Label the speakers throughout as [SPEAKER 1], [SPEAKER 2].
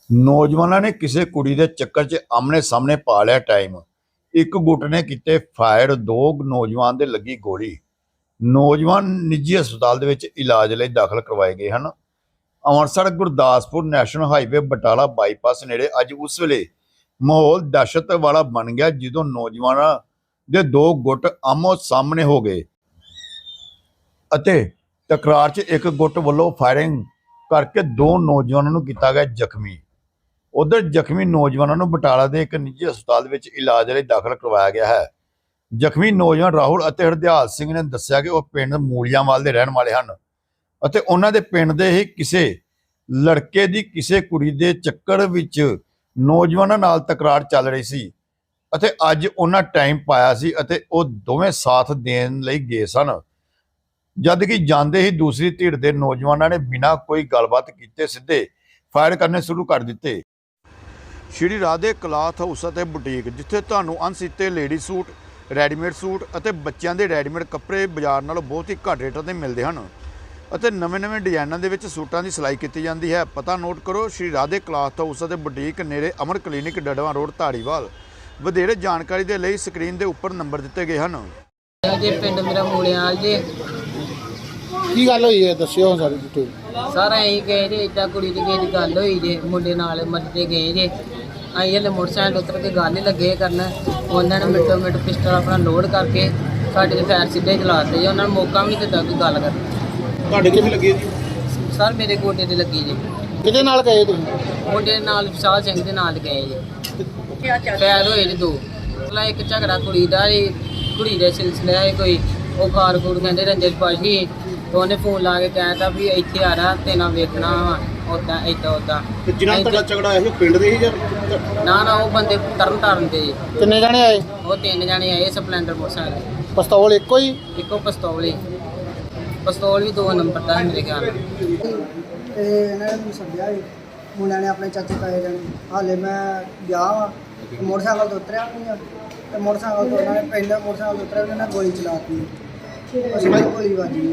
[SPEAKER 1] ਨੌਜਵਾਨਾਂ ਨੇ ਕਿਸੇ ਕੁੜੀ ਦੇ ਚੱਕਰ 'ਚ ਆਮਣੇ-ਸਾਹਮਣੇ ਪਾ ਲਿਆ ਟਾਈਮ। ਇੱਕ ਗੁੱਟ ਨੇ ਕੀਤੇ ਫਾਇਰ, ਦੋ ਨੌਜਵਾਨ ਦੇ ਲੱਗੀ ਗੋਲੀ। ਨੌਜਵਾਨ ਨਿੱਜੀ ਹਸਪਤਾਲ ਦੇ ਵਿੱਚ ਇਲਾਜ ਲਈ ਦਾਖਲ ਕਰਵਾਏ ਗਏ ਹਨ। Amritsar Gurdaspur national highway Batala bypass ਨੇੜੇ ਅੱਜ ਉਸ ਵੇਲੇ ਮਾਹੌਲ ਦਹਿਸ਼ਤ ਵਾਲਾ ਬਣ ਗਿਆ ਜਦੋਂ ਨੌਜਵਾਨਾਂ ਦੇ ਦੋ ਗੁੱਟ ਆਮੋ-ਸਾਹਮਣੇ ਹੋ ਗਏ ਅਤੇ ਟਕਰਾਅ 'ਚ ਇੱਕ ਗੁੱਟ ਵੱਲੋਂ ਫਾਇਰਿੰਗ ਕਰਕੇ ਦੋ ਨੌਜਵਾਨਾਂ ਨੂੰ ਕੀਤਾ ਗਿਆ ਜ਼ਖਮੀ। ਉਧਰ ਜ਼ਖਮੀ ਨੌਜਵਾਨਾਂ ਨੂੰ ਬਟਾਲਾ ਦੇ ਇੱਕ ਨਿੱਜੀ ਹਸਪਤਾਲ ਵਿੱਚ ਇਲਾਜ ਲਈ ਦਾਖਲ ਕਰਵਾਇਆ ਗਿਆ ਹੈ। ਜ਼ਖਮੀ ਨੌਜਵਾਨ ਰਾਹੁਲ ਅਤੇ ਹਰਦਿਆਲ ਸਿੰਘ ਨੇ ਦੱਸਿਆ ਕਿ ਉਹ ਪਿੰਡ ਮੂਲੀਆਂਵਾਲ ਦੇ ਰਹਿਣ ਵਾਲੇ ਹਨ ਅਤੇ ਉਹਨਾਂ ਦੇ ਪਿੰਡ ਦੇ ਹੀ ਕਿਸੇ ਲੜਕੇ ਦੀ ਕਿਸੇ ਕੁੜੀ ਦੇ ਚੱਕਰ ਵਿੱਚ ਨੌਜਵਾਨਾਂ ਨਾਲ ਤਕਰਾਰ ਚੱਲ ਰਹੀ ਸੀ ਅਤੇ ਅੱਜ ਉਹਨਾਂ ਟਾਈਮ ਪਾਇਆ ਸੀ ਅਤੇ ਉਹ ਦੋਵੇਂ ਸਾਥ ਦੇਣ ਲਈ ਗਏ ਸਨ। ਜਦ ਕਿ ਜਾਂਦੇ ਹੀ ਦੂਸਰੀ ਧਿਰ ਦੇ ਨੌਜਵਾਨਾਂ ਨੇ ਬਿਨਾਂ ਕੋਈ ਗੱਲਬਾਤ ਕੀਤੇ ਸਿੱਧੇ ਫਾਇਰ ਕਰਨੇ ਸ਼ੁਰੂ ਕਰ ਦਿੱਤੇ। ਸ਼੍ਰੀ ਰਾਧੇ ਕਲਾਥ ਹਾਊਸ ਅਤੇ ਬੁਟੀਕ, ਜਿੱਥੇ ਤੁਹਾਨੂੰ ਅਣਸੀਤੇ ਲੇਡੀ ਸੂਟ, ਰੈਡੀਮੇਡ ਸੂਟ ਅਤੇ ਬੱਚਿਆਂ ਦੇ ਰੈਡੀਮੇਡ ਕੱਪੜੇ ਬਾਜ਼ਾਰ ਨਾਲੋਂ ਬਹੁਤ ਹੀ ਘੱਟ ਰੇਟਾਂ 'ਤੇ ਮਿਲਦੇ ਹਨ ਅਤੇ ਨਵੇਂ-ਨਵੇਂ ਡਿਜ਼ਾਈਨਾਂ ਦੇ ਵਿੱਚ ਸੂਟਾਂ ਦੀ ਸਿਲਾਈ ਕੀਤੀ ਜਾਂਦੀ ਹੈ। ਪਤਾ ਨੋਟ ਕਰੋ, ਸ਼੍ਰੀ ਰਾਧੇ ਕਲਾਥ ਹਾਊਸ ਅਤੇ ਬੁਟੀਕ, ਨੇੜੇ ਅਮਰ ਕਲੀਨਿਕ, ਡੜਵਾ ਰੋਡ, ਧਾਰੀਵਾਲ। ਵਧੇਰੇ ਜਾਣਕਾਰੀ ਦੇ ਲਈ ਸਕਰੀਨ ਦੇ ਉੱਪਰ ਨੰਬਰ ਦਿੱਤੇ ਗਏ ਹਨ।
[SPEAKER 2] ਜੇ ਪਿੰਡ ਮੇਰਾ ਮੂਲੀਆਂਵਾਲ ਜੇ
[SPEAKER 3] ਕੀ ਗੱਲ ਹੋਈ ਹੈ ਦੱਸਿਓ ਸਾਰੀ ਡਿਟੇਲ।
[SPEAKER 2] ਸਾਰਾ ਅਸੀਂ ਗਏ ਜੇ, ਇੱਦਾਂ ਕੁੜੀ ਦੀ ਕਿਸੇ ਦੀ ਗੱਲ ਹੋਈ ਜੇ, ਮੁੰਡੇ ਨਾਲ ਮੱਤੇ ਗਏ ਜੇ। ਅਸੀਂ ਹਲੇ ਮੋਟਰਸਾਈਕਲ ਉਤਰ ਕੇ ਗੱਲ ਹੀ ਲੱਗੇ ਕਰਨ, ਉਹਨਾਂ ਨੇ ਮਿੰਟੋ ਮਿੰਟ ਪਿਸਟਲ ਆਪਣਾ ਲੋਡ ਕਰਕੇ ਸਾਡੇ ਦੇ ਫਾਇਰ ਸਿੱਧੇ ਚਲਾਤੇ ਜੇ। ਉਹਨਾਂ ਨੂੰ ਮੌਕਾ ਵੀ ਨਹੀਂ ਦਿੱਤਾ ਕੋਈ ਗੱਲ ਕਰਨ।
[SPEAKER 3] ਤੁਹਾਡੇ ਕਿੱਥੇ ਲੱਗੀ ਜੀ?
[SPEAKER 2] ਸਰ ਮੇਰੇ ਗੋਡੇ ਤੇ ਲੱਗੀ ਜੇ।
[SPEAKER 3] ਕਿਹਦੇ ਨਾਲ ਗਏ ਤੁਸੀਂ?
[SPEAKER 2] ਮੁੰਡੇ ਨਾਲ ਵਿਸ਼ਾਲ ਸਿੰਘ ਦੇ ਨਾਲ ਗਏ ਜੇ। ਫਾਇਰ ਹੋਏ ਜੇ ਦੋ। ਪਹਿਲਾਂ ਇੱਕ ਝਗੜਾ ਕੁੜੀ ਦਾ ਜੀ, ਕੁੜੀ ਦੇ ਸਿਲਸਿਲੇ ਹੈ ਕੋਈ, ਉਹ ਖਾਰ ਖੂਰ ਕਹਿੰਦੇ ਰੰਜਨ ਪਾਸ਼ੀ, ਤਾਂ ਉਹਨੇ ਫੋਨ ਲਾ ਕੇ ਕਹਿਤਾ ਵੀ ਇੱਥੇ ਆ ਰਹਾ ਤੇ ਨਾ ਵੇਖਣਾ ਵਾ ਉੱਦਾਂ ਇੱਦਾਂ ਉੱਦਾਂ।
[SPEAKER 3] ਜਿਨ੍ਹਾਂ ਤੁਹਾਡਾ ਝਗੜਾ ਆਇਆ ਸੀ ਪਿੰਡ ਦੇ ਹੀ ਜਾਂ?
[SPEAKER 2] ਨਾ ਉਹ ਬੰਦੇ ਤਰਨ ਦੇ ਜੀ।
[SPEAKER 3] ਕਿੰਨੇ ਜਾਣੇ ਆਏ?
[SPEAKER 2] ਉਹ ਤਿੰਨ ਜਾਣੇ ਆਏ ਸਪਲੈਂਡਰ ਮੋਟਰਸਾਈਕਲ।
[SPEAKER 3] ਪਿਸਤੌਲ ਇੱਕੋ ਹੀ?
[SPEAKER 2] ਇੱਕੋ ਪਿਸਤੌਲ ਹੀ। ਪਿਸਤੌਲ ਵੀ 2 ਨੰਬਰ ਦਾ ਮੇਰੇ ਖਿਆਲ ਨਾਲ।
[SPEAKER 4] ਤੇ ਇਹਨਾਂ ਨੇ ਮੈਨੂੰ ਸੱਦਿਆ ਸੀ ਮੁੰਡਿਆਂ ਨੇ, ਆਪਣੇ ਚਾਚੇ ਤਾਏ ਜਾਣੇ। ਹਾਲੇ ਮੈਂ ਗਿਆ ਵਾ, ਮੋਟਰਸਾਈਕਲ ਤੋਂ ਉਤਰਿਆ ਨਹੀਂ ਆ ਤੇ ਮੋਟਰਸਾਈਕਲ ਤੋਂ ਉਹਨਾਂ ਨੇ ਪਹਿਲਾਂ ਮੋਟਰਸਾਈਕਲ ਤੋਂ ਉਤਰਿਆ, ਉਹਨਾਂ ਨੇ ਗੋਲੀ ਚਲਾਤੀ। ਉਸ ਵਿੱਚ ਗੋਲੀ ਵੱਜ ਗਈ।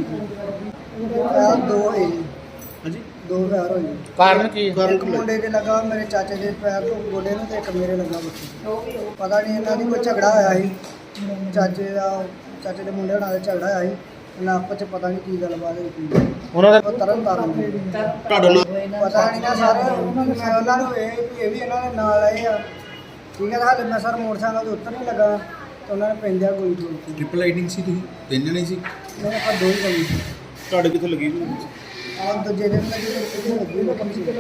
[SPEAKER 4] ਦੋ ਹੋਏ ਜੀ।
[SPEAKER 3] ਹਾਂਜੀ,
[SPEAKER 4] ਦੋ ਫਾਇਰ ਹੋਏ।
[SPEAKER 3] ਕਾਰਨ ਕੀ?
[SPEAKER 4] ਇੱਕ ਮੁੰਡੇ ਦੇ ਲੱਗਾ ਮੇਰੇ ਚਾਚੇ ਦੇ ਪੈਰ ਤੋਂ ਗੋਡੇ ਨੂੰ, ਤੇ ਇੱਕ ਮੇਰੇ ਲੱਗਾ ਬੱਚੇ। ਪਤਾ ਨਹੀਂ ਇਹਨਾਂ ਦੀ ਕੋਈ ਝਗੜਾ ਹੋਇਆ ਸੀ, ਚਾਚੇ ਦੇ ਮੁੰਡੇ ਹੋਣਾ ਦਾ ਝਗੜਾ ਹੋਇਆ ਸੀ ਇਹਨਾਂ ਆਪਸ 'ਚ। ਪਤਾ ਨਹੀਂ ਕੀ ਗੱਲਬਾਤ ਹੋਈ।
[SPEAKER 3] ਉਹਨਾਂ ਦਾ
[SPEAKER 4] ਉਹ ਤਰਨ ਤਾਰਨ
[SPEAKER 3] ਤੁਹਾਡਾ ਨਾਮ?
[SPEAKER 4] ਪਤਾ ਨਹੀਂ ਨਾ ਸਰ, ਮੈਂ ਉਹਨਾਂ ਨੂੰ ਇਹ ਵੀ ਇਹਨਾਂ ਦੇ ਨਾਲ ਆਏ ਆ, ਠੀਕ ਹੈ। ਹਾਲੇ ਮੈਂ ਸਰ ਮੋਟਰਸਾਈਕਲ ਤੋਂ ਉੱਤਰ ਨਹੀਂ ਲੱਗਾ ਤੇ ਉਹਨਾਂ ਨੇ ਪੈਂਦਿਆ ਗੋਲੀ ਚੋਲਤੀ।
[SPEAKER 3] ਟ੍ਰਿਪਲ ਰਾਈਡਿੰਗ ਸੀ ਤੁਸੀਂ? ਤਿੰਨ ਜਣੇ ਸੀ?
[SPEAKER 4] ਮੇਰੇ ਕੋਲ ਦੋ ਹੀ ਗੋਲੀ ਸੀ।
[SPEAKER 3] ਤੁਹਾਡੇ ਕਿੱਥੇ ਲੱਗੀ?
[SPEAKER 4] ਆਹ ਦੂਜੇ ਦਿਨ ਲੱਗੀ ਤੇ ਕਿੱਥੇ ਲੱਗੀ ਨਾ ਕਮ ਸੇ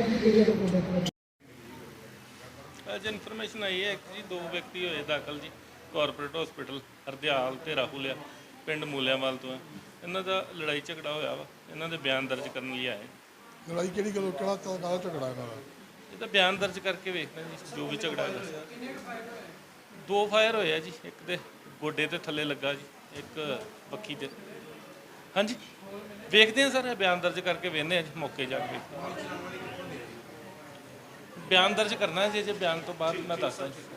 [SPEAKER 5] ਅੱਜ ਇਨਫੋਰਮੇਸ਼ਨ ਆਈ ਹੈ ਕਿ ਜੀ ਦੋ ਵਿਅਕਤੀ ਹੋਏ ਦਾਖਲ ਜੀ ਕਾਰਪੋਰੇਟ ਹਸਪੀਟਲ, ਹਰਦਿਆਲ ਤੇ ਰਾਹੁਲ ਆ, ਪਿੰਡ ਮੂਲੀਆਂਵਾਲ ਤੋਂ ਹੈ। ਇਹਨਾਂ ਦਾ ਲੜਾਈ ਝਗੜਾ ਹੋਇਆ ਵਾ, ਇਹਨਾਂ ਦੇ ਬਿਆਨ ਦਰਜ ਕਰਨ ਲਈ ਆਏ।
[SPEAKER 6] ਲੜਾਈ ਕਿਹੜੀ ਗੱਲ, ਕਿਹੜਾ ਤਾਂ ਨਾਲ ਝਗੜਾ ਇਹਨਾਂ ਦਾ?
[SPEAKER 5] ਇਹ ਤਾਂ ਬਿਆਨ ਦਰਜ ਕਰਕੇ ਵੇਖਦੇ ਜੀ ਜੋ ਵੀ ਝਗੜਾ ਹੈਗਾ। 2 ਫਾਇਰ ਹੋਏ ਆ ਜੀ, ਇੱਕ ਦੇ ਗੋਡੇ ਤੇ ਥੱਲੇ ਲੱਗਾ ਜੀ, ਇੱਕ ਬੱਖੀ ਤੇ। ਹਾਂਜੀ ਵੇਖਦੇ ਹਾਂ ਸਰ, ਇਹ ਬਿਆਨ ਦਰਜ ਕਰਕੇ ਵੇਖਦੇ ਹਾਂ ਜੀ, ਮੌਕੇ ਜਾ ਕੇ ਬਿਆਨ ਦਰਜ ਕਰਨਾ ਜੀ। ਜੇ ਬਿਆਨ ਤੋਂ ਬਾਅਦ ਮੈਂ ਦੱਸਦਾ ਜੀ।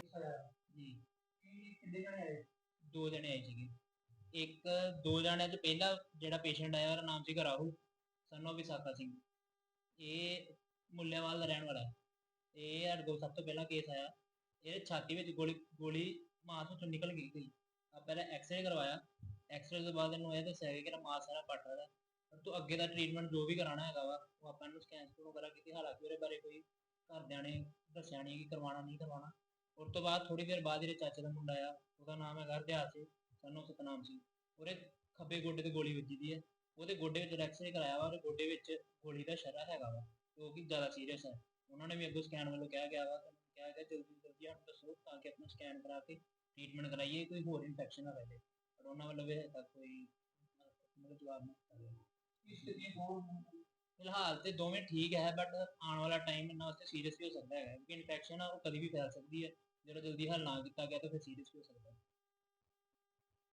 [SPEAKER 7] 2 ਜਣੇ ਆਏ ਸੀਗੇ। ਇੱਕ 2 ਜਣਿਆਂ 'ਚ ਪਹਿਲਾ ਜਿਹੜਾ ਪੇਸ਼ੈਂਟ ਆਇਆ ਉਹਦਾ ਨਾਮ ਸੀਗਾ ਰਾਹੁਲ, ਸਨ of ਵਿਸਾਖਾ ਸਿੰਘ। ਇਹ ਮੁੱਲੇਵਾਲ ਦਾ ਰਹਿਣ ਵਾਲਾ ਹੈ। ਇਹ ਸਾਡੇ ਕੋਲ ਸਭ ਤੋਂ ਪਹਿਲਾਂ ਕੇਸ ਆਇਆ। ਇਹਦੇ ਛਾਤੀ ਵਿੱਚ ਗੋਲੀ ਮਾਸ ਵਿੱਚੋਂ ਨਿਕਲ ਗਈ ਸੀ। ਪਹਿਲਾਂ ਐਕਸਰੇ ਕਰਵਾਇਆ। ਐਕਸਰੇ ਤੋਂ ਬਾਅਦ ਇਹਨੂੰ ਇਹ ਦੱਸਿਆ ਗਿਆ ਕਿ ਇਹਦਾ ਮਾਸ ਸਾਰਾ ਪੱਟ ਰਿਹਾ। ਪਰ ਤੋਂ ਅੱਗੇ ਦਾ ਟ੍ਰੀਟਮੈਂਟ ਜੋ ਵੀ ਕਰਾਉਣਾ ਹੈਗਾ ਵਾ ਉਹ ਆਪਾਂ ਇਹਨੂੰ ਸਕੈਨ ਵਗੈਰਾ ਕੀਤੀ। ਹਾਲਾਂਕਿ ਉਹਦੇ ਬਾਰੇ ਕੋਈ ਘਰਦਿਆਂ ਨੇ ਦੱਸਿਆ ਨਹੀਂ ਕਿ ਕਰਵਾਉਣਾ ਨਹੀਂ ਕਰਵਾਉਣਾ। ਉਸ ਤੋਂ ਬਾਅਦ ਥੋੜ੍ਹੀ ਦੇਰ ਬਾਅਦ ਜਿਹੜੇ ਚਾਚੇ ਦਾ ਮੁੰਡਾ ਆ, ਉਹਦਾ ਨਾਮ ਹੈਗਾ ਹਰਦਿਆਲ ਸਿੰਘ, ਸਨ of ਸਤਨਾਮ ਸਿੰਘ। ਉਹਦੇ ਖੱਬੇ ਗੋਡੇ ਤੇ ਗੋਲੀ ਵੱਜੀ ਦੀ ਹੈ। ਉਹਦੇ ਗੋਡੇ ਵਿੱਚ ਐਕਸਰੇ ਕਰਾਇਆ ਵਾ, ਉਹਦੇ ਗੋਡੇ ਵਿੱਚ ਗੋਲੀ ਦਾ ਸ਼ਰਾ ਹੈਗਾ ਵਾ, ਜੋ ਕਿ ਜ਼ਿਆਦਾ ਸੀਰੀਅਸ ਹੈ। ਉਹਨਾਂ ਨੇ ਵੀ ਅੱਗੋਂ ਸਕੈਨ ਵੱਲੋਂ ਕਿਹਾ ਗਿਆ ਵਾ, ਕਿਹਾ ਗਿਆ ਜਲਦੀ ਤੋਂ ਜਲਦੀ ਸਾਨੂੰ ਦੱਸੋ ਤਾਂ ਕਿ ਆਪਣਾ ਸਕੈਨ ਕਰਾ ਕੇ ਟ੍ਰੀਟਮੈਂਟ ਕਰਾਈਏ, ਕੋਈ ਹੋਰ ਇਨਫੈਕਸ਼ਨ ਨਾ ਰਹੇ। ਪਰ ਉਹਨਾਂ ਵੱਲੋਂ ਵੀ ਹਜੇ ਤੱਕ ਕੋਈ ਜਵਾਬ ਨਹੀਂ ਦਿੱਤਾ। ਫਿਲਹਾਲ ਤੇ ਦੋਵੇਂ ਠੀਕ ਹੈ, ਬਟ ਆਉਣ ਵਾਲਾ ਟਾਈਮ ਇਹਨਾਂ ਵਾਸਤੇ ਸੀਰੀਅਸ ਵੀ ਹੋ ਸਕਦਾ ਹੈਗਾ, ਕਿਉਂਕਿ ਇਨਫੈਕਸ਼ਨ ਆ ਉਹ ਕਦੀ ਵੀ ਫੈਲ ਸਕਦੀ ਹੈ। ਜਦੋਂ ਜਲਦੀ ਹੱਲ ਨਾ ਕੀਤਾ ਗਿਆ ਤਾਂ ਫਿਰ ਸੀਰੀਅਸ ਵੀ ਹੋ ਸਕਦਾ ਹੈ।